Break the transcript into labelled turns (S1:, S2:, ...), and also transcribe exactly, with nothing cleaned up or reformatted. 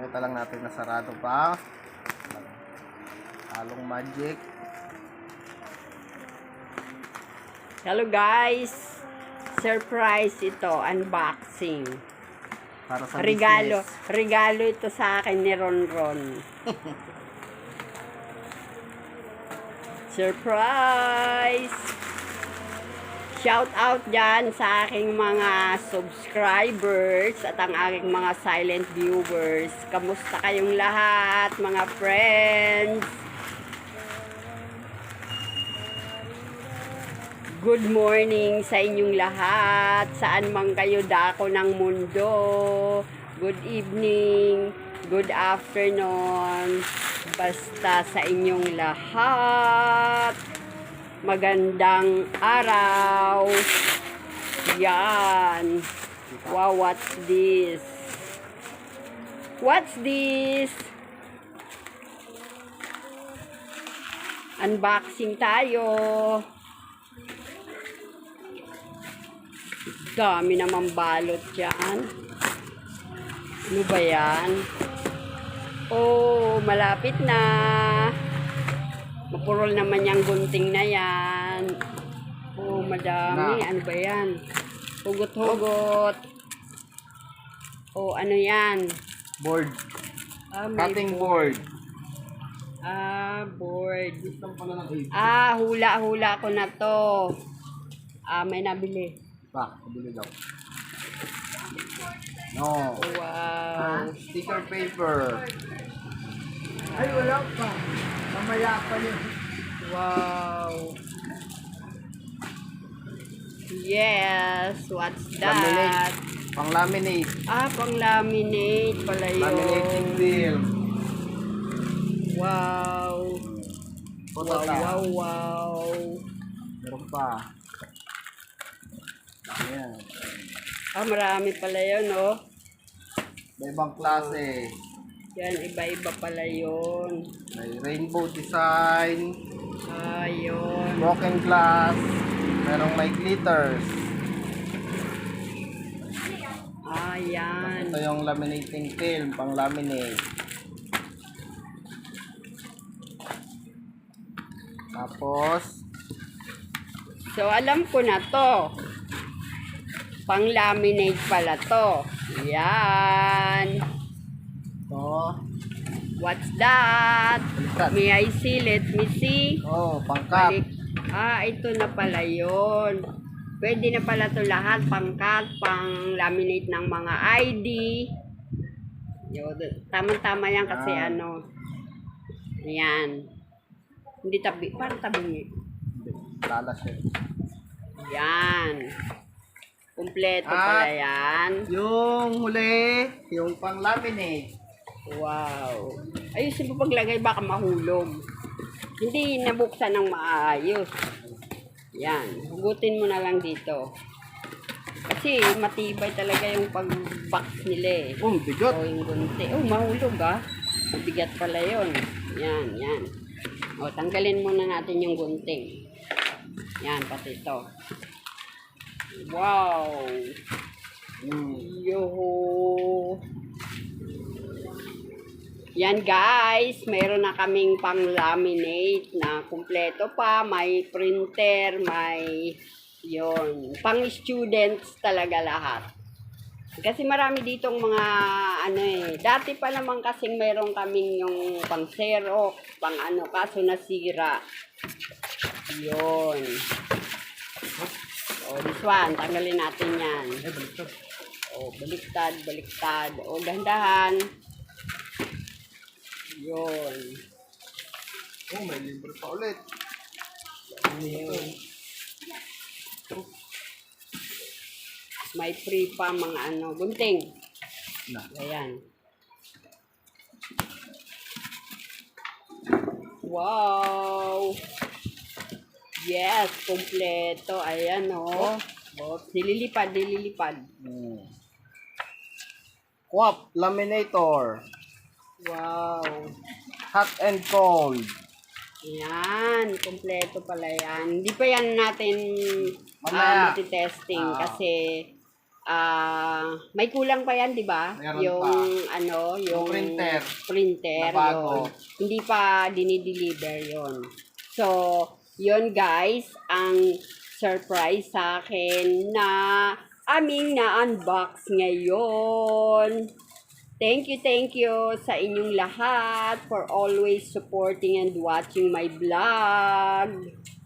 S1: Papakita lang natin na sarado pa. Halong magic.
S2: Hello guys! Surprise ito, unboxing.
S1: Para sa
S2: Regalo,
S1: business.
S2: regalo ito sa akin ni Ronron. Surprise! Shout out dyan sa aking mga subscribers at ang aking mga silent viewers. Kamusta kayong lahat, mga friends? Good morning sa inyong lahat, saan man kayo dako ng mundo. Good evening, good afternoon, basta sa inyong lahat. Magandang araw. Yan. Wow, what's this? What's this? Unboxing tayo. Dami naman balot dyan. Ano ba yan? Oh, malapit na. Mapurol naman yung gunting na yan. Oh, madami. Ano ba yan? Hugot-hugot. Oh, ano yan?
S1: Board.
S2: Ah, may
S1: Cutting board.
S2: Ah, board.
S1: System pala ng eight.
S2: Ah, hula-hula ko na to. Ah, may nabili.
S1: Pa, kabili daw. No.
S2: Wow.
S1: Sticker paper.
S3: Ay, wala pa. Mamaya pa yun.
S2: Wow. Yes, what's that?
S1: Laminate. Pang laminate.
S2: Ah, pang laminate pala yun.
S1: Laminating film.
S2: Wow.
S1: Photo
S2: Wow,
S1: tap.
S2: wow, wow.
S1: Meron pa. Ayan.
S2: Ah, marami pala yun, oh.
S1: May ibang klase.
S2: Yan, iba-iba pala yun.
S1: May rainbow design.
S2: Ah, yun.
S1: Broken glass. Merong may glitters.
S2: Ah, yan.
S1: Ito yung laminating film, pang laminate. Tapos,
S2: So, alam ko na to. Pang-laminate pala to. Yan.
S1: ito.
S2: What's that?
S1: Baliktad.
S2: May I see? Let me see.
S1: Oh, pangkat.
S2: Balik. Ah, ito na pala yun. Pwede na pala to lahat. Pangkat, pang-laminate ng mga I D. Yun. Tama-tama yan kasi
S1: Ah.
S2: ano. Ayan. Hindi tabi. Parang tabi.
S1: Lalas yun.
S2: Yan. Kumpleto
S1: Ah.
S2: pala yan.
S1: Yung huli, yung pang laminate.
S2: Wow. Ayusin mo paglagay, baka mahulog. Hindi nabuksan ng maayos. Yan. Hugutin mo na lang dito. Kasi matibay talaga yung pag-box nila eh.
S1: Oh, bigot.
S2: O yung gunti. Oh, mahulog ah. Mabigat pala yun. Yan, yan. O, tanggalin muna natin yung gunting. Yan, pati ito. Wow.
S1: Mm.
S2: Yo. Yan guys, mayroon na kaming pang-laminate na kumpleto pa. May printer, may yon, pang-students talaga lahat. Kasi marami ditong mga ano eh. Dati pa naman kasing mayroon kaming yung pang-xerox, pang ano, kaso nasira. Yon. O, this one, tanggalin natin yan.
S1: Eh, baliktad.
S2: O, baliktad, baliktad. O, gandahan. Yun.
S1: Oh, may libre pa ulit.
S2: Yun. May free pa mga ano, gunting.
S1: Na.
S2: Ayan. Wow! Yes, kompleto. Ayan o. Oh. Dililipad, dililipad.
S1: Mm. Quap laminator.
S2: Wow.
S1: Hot and cold.
S2: Yan, kompleto pala yan. Hindi pa yan natin
S1: Mamaya.
S2: uh, testing
S1: Ah.
S2: kasi Ah, may kulang pa yan, 'di ba?
S1: Meron
S2: Yung
S1: pa.
S2: ano, yung
S1: printer.
S2: printer
S1: Na bago.
S2: yun. Hindi pa dinideliver yon. So, yon guys, ang surprise sa akin na aming na-unbox ngayon. Thank you, thank you sa inyong lahat for always supporting and watching my vlog.